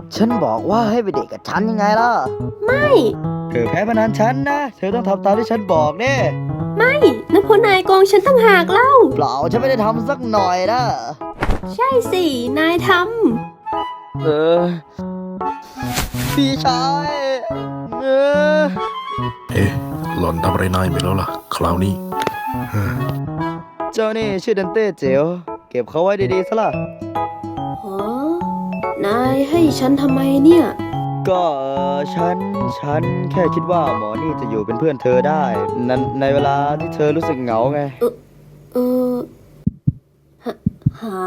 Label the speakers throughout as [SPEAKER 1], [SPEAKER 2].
[SPEAKER 1] ฉันบอกว่าให้ไปเดทกับฉันยังไงล่ะ
[SPEAKER 2] ไม่
[SPEAKER 1] เธอแพ้พนันฉันนะ เธอต้องทำตามที่ฉันบอกเน่
[SPEAKER 2] ไม่นะเพราะนายโกงฉันตั้งหากเล่า
[SPEAKER 1] เปล่าฉันไม่ได้ทำสักหน่อยนะ
[SPEAKER 2] ใช่สินายท
[SPEAKER 1] เออพี่ชายเออ
[SPEAKER 3] เอ๊ะหล่อนทำอะไรนายไปแล้วล่ะ คราวนี้
[SPEAKER 1] เจ้านี่ชื่อดันเต้เจ๋วเก็บเขาไว้ดีๆซะล่ะ
[SPEAKER 2] ำฮะนายให้ฉันทำไมเนี่ย
[SPEAKER 1] ก็ฉันแค่คิดว่าหมอนี่จะอยู่เป็นเพื่อนเธอได้ในเวลาที่เธอรู้สึกเหงาไง
[SPEAKER 2] เออหา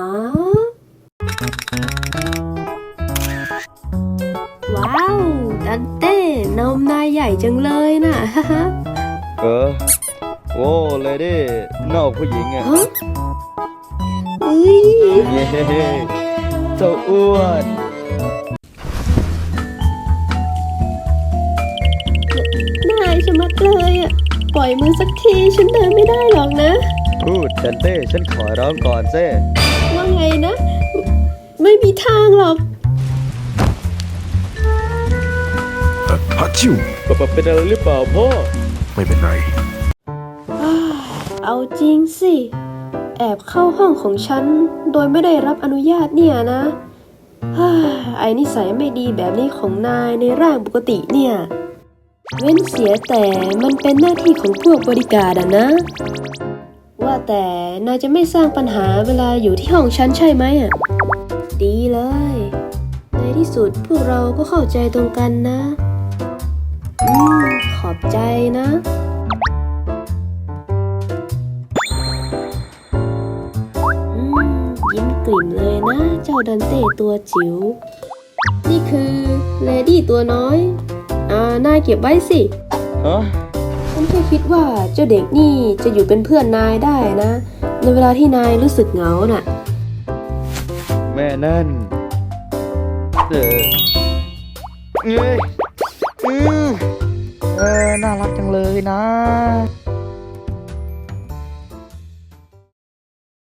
[SPEAKER 2] ว้าว ดันเต้นมนายใหญ่จังเลยน่ะ
[SPEAKER 1] เออโว้เลยดินอกผู้หญิงอ่ะ
[SPEAKER 2] ฮะอุ้ย
[SPEAKER 1] เย้เจ้าอ้วน
[SPEAKER 2] นายชะมัดเลยอ่ะ ปล่อยมือสักทีฉันเดินไม่ได้หรอกนะ
[SPEAKER 1] พูดดันเต้ฉันขอร้องก่อนเซ่
[SPEAKER 2] ว่าไงนะ ไม่มีทางหรอก
[SPEAKER 3] ฮัตชิว
[SPEAKER 1] เป็นอะไรหรือเปล่าพ่อ
[SPEAKER 3] ไม่เป็นไร
[SPEAKER 2] เอาจริงสิ แอบเข้าห้องของฉัน โดยไม่ได้รับอนุญาตเนี่ยนะฮ่าไอ้นิสัยไม่ดีแบบนี้ของนายในร่างปกติเนี่ย เว้นเสียแต่มันเป็นหน้าที่ของพวกบริการอะนะ ว่าแต่นายจะไม่สร้างปัญหาเวลาอยู่ที่ห้องฉันใช่ไหมอะดีเลย ในที่สุดพวกเราก็เข้าใจตรงกันนะขอบใจนะยิ้มกลิ่มเลยนะ เจ้าดันเต้ตัวจิ๋ว นี่คือเลดี้ตัวน้อย นายเก็บไว้สิ
[SPEAKER 1] ฮะ
[SPEAKER 2] ฉันแค่คิดว่าเจ้าเด็กนี่จะอยู่เป็นเพื่อนนายได้นะ ในเวลาที่นายรู้สึกเหงาน่ะ
[SPEAKER 1] แม่นั่นเอ้ยน่ารักจังเลยนะ